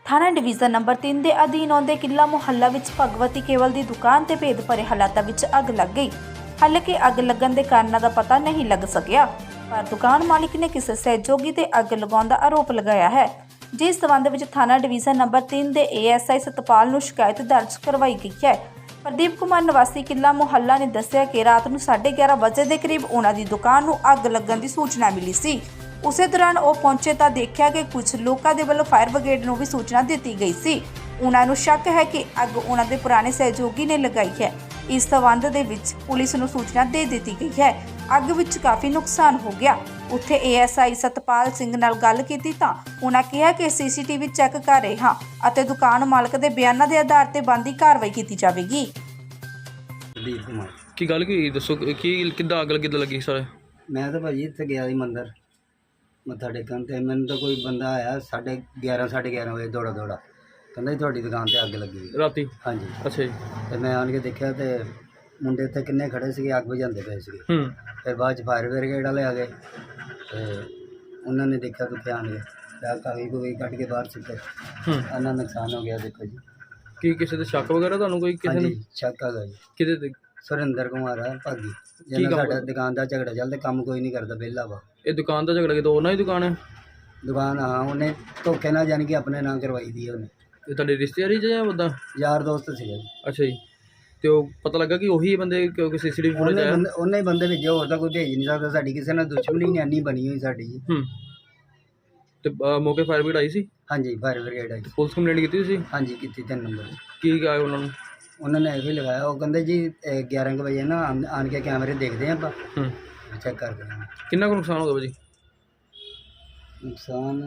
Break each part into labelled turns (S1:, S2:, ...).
S1: थाना division number 3 ਦੇ ਅਧੀਨ ਆਉਂਦੇ ਕਿੱਲਾ ਮੁਹੱਲਾ ਵਿੱਚ ਭਗਵਤੀ ਕੇਵਲ ਦੀ ਦੁਕਾਨ ਤੇ ਭੇਦ ਭਰੇ ਹਾਲਾਤਾਂ ਵਿੱਚ ਅੱਗ ਲੱਗ ਗਈ। ਹਾਲਾਂਕਿ ਅੱਗ ਲੱਗਣ ਦੇ ਕਾਰਨਾਂ ਦਾ ਪਤਾ ਨਹੀਂ ਲੱਗ ਸਕਿਆ, ਪਰ ਦੁਕਾਨ ਮਾਲਿਕ ਨੇ ਕਿਸੇ ਸਹਿਯੋਗੀ ਤੇ ਅੱਗ ਲਗਾਉਣ ਦਾ ਆਰੋਪ ਲਗਾਇਆ ਹੈ, ਜਿਸ ਸਬੰਧ ਵਿੱਚ ਥਾਣਾ ਡਿਵੀਜ਼ਨ ਨੰਬਰ 3 ਦੇ ASI ਸਤਪਾਲ ਨੂੰ ਸ਼ਿਕਾਇਤ ਦਰਜ ਕਰਵਾਈ ਗਈ ਹੈ। ਪ੍ਰਦੀਪ ਕੁਮਾਰ ਨਿਵਾਸੀ ਕਿੱਲਾ ਮੁਹੱਲਾ ਨੇ ਦੱਸਿਆ ਕਿ ਰਾਤ ਨੂੰ 11:30 ਵਜੇ ਦੇ ਕਰੀਬ ਉਹਨਾਂ ਦੀ ਦੁਕਾਨ ਨੂੰ ਅੱਗ ਲੱਗਣ ਦੀ ਸੂਚਨਾ ਮਿਲੀ ਸੀ। ਉਸੇ ਦੌਰਾਨ ਉਹ ਪਹੁੰਚੇ ਤਾਂ ਦੇਖਿਆ ਕਿ ਕੁਝ ਲੋਕਾਂ ਦੇ ਵੱਲੋਂ ਫਾਇਰ ਬ੍ਰਿਗੇਡ ਨੂੰ ਵੀ ਸੂਚਨਾ ਦਿੱਤੀ ਗਈ ਸੀ। ਉਹਨਾਂ ਨੂੰ ਸ਼ੱਕ ਹੈ ਕਿ ਅੱਗ ਉਹਨਾਂ ਦੇ ਪੁਰਾਣੇ ਸਹਿਯੋਗੀ ਨੇ ਲਗਾਈ ਹੈ। ਇਸ ਸਬੰਧ ਦੇ ਵਿੱਚ ਪੁਲਿਸ ਨੂੰ ਸੂਚਨਾ ਦੇ ਦਿੱਤੀ ਗਈ ਹੈ। ਅੱਗ ਵਿੱਚ ਕਾਫੀ ਨੁਕਸਾਨ ਹੋ ਗਿਆ। ਉੱਥੇ ASI ਸਤਪਾਲ ਸਿੰਘ ਨਾਲ ਗੱਲ ਕੀਤੀ ਤਾਂ ਉਹਨਾਂ ਕਿਹਾ ਕਿ CCTV ਚੈੱਕ ਕਰ ਰਹੇ ਹਾਂ ਅਤੇ ਦੁਕਾਨ ਮਾਲਕ ਦੇ ਬਿਆਨਾਂ ਦੇ ਆਧਾਰ ਤੇ ਬਣਦੀ ਕਾਰਵਾਈ ਕੀਤੀ ਜਾਵੇਗੀ।
S2: ਪ੍ਰਦੀਪ ਕੁਮਾਰ
S3: ਕੀ ਗੱਲ ਕੀ ਹੋਈ ਦੱਸੋ, ਕੀ ਕਿੱਦਾਂ ਅੱਗ ਕਿੱਦਾਂ ਲੱਗੀ ਸਾਰੇ?
S2: ਮੈਂ ਤਾਂ ਭਾਜੀ ਇੱਥੇ ਗਿਆ ਸੀ ਮੰਦਰ ਮੱਥਾ ਟੇਕਣ ਤੇ ਮੈਨੂੰ ਤਾਂ ਕੋਈ ਬੰਦਾ ਆਇਆ 11:30 ਵਜੇ ਦੌੜਾ ਕਹਿੰਦਾ ਜੀ ਤੁਹਾਡੀ ਦੁਕਾਨ ਤੇ ਅੱਗ ਲੱਗੀ ਹੋਈ।
S3: ਰਾਤੀ?
S2: ਹਾਂਜੀ।
S3: ਅੱਛਾ ਜੀ।
S2: ਤੇ ਮੈਂ ਆਣ ਕੇ ਦੇਖਿਆ ਤੇ ਮੁੰਡੇ ਇੱਥੇ ਕਿੰਨੇ ਖੜੇ ਸੀਗੇ, ਅੱਗ ਬੁਝਾਉਂਦੇ ਪਏ ਸੀਗੇ। ਫਿਰ ਬਾਅਦ 'ਚ ਫਾਇਰ ਬ੍ਰਿਗੇਡ ਵਾਲੇ ਆ ਗਏ ਤੇ ਉਹਨਾਂ ਨੇ ਦੇਖਿਆ ਕਿ ਆਣ ਕੇ ਕਾਗਜ਼ ਕੱਢ ਕੇ ਬਾਹਰ ਸੁੱਟੇ। ਇੰਨਾ ਨੁਕਸਾਨ ਹੋ ਗਿਆ ਦੇਖੋ ਜੀ।
S3: ਕੀ ਕਿਸੇ ਤੇ ਸ਼ੱਕ ਵਗੈਰਾ ਤੁਹਾਨੂੰ ਕੋਈ ਕਿਸੇ ਨੂੰ?
S2: ਸ਼ੱਕ ਹੈਗਾ ਜੀ।
S3: ਕਿਹਦੇ ਤੇ?
S2: ਸੁਰਿੰਦਰ ਕੁਮਾਰ ਆ ਭਾਗੀ, ਜਿਹਨਾਂ ਸਾਡਾ ਦੁਕਾਨ ਦਾ ਝਗੜਾ ਚੱਲਦਾ, ਕੰਮ ਕੋਈ ਨਹੀਂ ਕਰਦਾ, ਵਿਹਲਾ ਵਾ।
S3: ਇਹ ਦੁਕਾਨ ਦਾ ਝਗੜਾ ਕਿਦੋਂ ਉਹਨਾਂ ਦੀ ਦੁਕਾਨ ਹੈ?
S2: ਦੁਕਾਨ ਹਾਂ ਉਹਨੇ ਧੋਖੇ ਨਾਲ ਜਾਣੀ ਕਿ ਆਪਣੇ ਨਾਂ ਕਰਵਾਈ ਦੀ ਉਹਨੇ।
S3: ਇਹ ਤੁਹਾਡੇ ਰਿਸ਼ਤੇਦਾਰੀ 'ਚ ਜਾਂ ਉੱਦਾਂ?
S2: ਯਾਰ ਦੋਸਤ ਸੀਗਾ ਜੀ।
S3: ਅੱਛਾ ਜੀ। ਤੇ ਉਹ ਪਤਾ ਲੱਗਾ ਕਿ ਉਹੀ ਬੰਦੇ ਕਿਉਂਕਿ CCTV ਫੁਟੇਜ ਆਇਆ?
S2: ਉਹਨੇ ਹੀ ਬੰਦੇ ਭੇਜੇ, ਹੋਰ ਤਾਂ ਕੋਈ ਭੇਜ ਨਹੀਂ ਸਕਦਾ। ਸਾਡੀ ਕਿਸੇ ਨਾਲ ਦੁਸ਼ਮਣੀ ਨਹੀਂ ਇੰਨੀ ਬਣੀ ਹੋਈ ਸਾਡੀ ਜੀ।
S3: ਤੇ ਮੌਕੇ ਫਾਇਰ ਬ੍ਰਿਗੇਡ ਆਈ ਸੀ?
S2: ਹਾਂਜੀ, ਫਾਇਰ ਬ੍ਰਿਗੇਡ ਆਈ।
S3: ਪੁਲਿਸ ਕੰਪਲੇਂਟ ਕੀਤੀ ਸੀ?
S2: ਹਾਂਜੀ ਕੀਤੀ, 3 ਨੰਬਰ।
S3: ਕੀ ਕਿਹਾ ਉਹਨਾਂ ਨੂੰ?
S2: ਉਹਨਾਂ ਨੇ ਇਹ ਵੀ ਲਗਾਇਆ, ਉਹ ਕਹਿੰਦੇ ਜੀ 11 ਕੁ ਵਜੇ ਨਾ ਆਣ ਕੇ ਕੈਮਰੇ ਦੇਖਦੇ ਹਾਂ ਆਪਾਂ, ਚੈੱਕ ਕਰਦੇ ਹਾਂ।
S3: ਕਿੰਨਾ ਕੁ ਨੁਕਸਾਨ ਹੋ ਗਿਆ ਭਾਜੀ?
S2: ਨੁਕਸਾਨ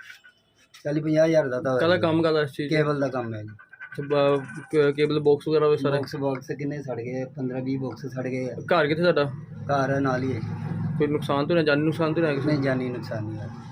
S2: 40-50 ਹਜ਼ਾਰ ਦਾ ਤਾਂ
S3: ਕਾਹਦਾ ਕੰਮ ਕਰਦਾ ਇਸ ਚੀਜ਼?
S2: ਕੇਬਲ ਦਾ ਕੰਮ ਹੈ ਜੀ।
S3: ਕੇਬਲ ਬਾਕਸ ਵਗੈਰਾ ਵੀ ਸਾਰੇ?
S2: ਬਾਕਸ ਕਿੰਨੇ ਸੜ ਗਏ, 15-20 ਬਾਕਸ ਸੜ ਗਏ ਆ।
S3: ਘਰ ਕਿੱਥੇ ਤੁਹਾਡਾ?
S2: ਘਰ ਨਾਲ ਹੀ ਹੈ ਜੀ।
S3: ਕੋਈ ਨੁਕਸਾਨ ਤਾਂ ਨਹੀਂ, ਜਾਨੀ ਨੁਕਸਾਨ ਤਾਂ ਨਹੀਂ ਆਇਆ ਕਿਸੇ?
S2: ਨਹੀਂ, ਜਾਨੀ ਨੁਕਸਾਨ ਨਹੀਂ ਆਇਆ।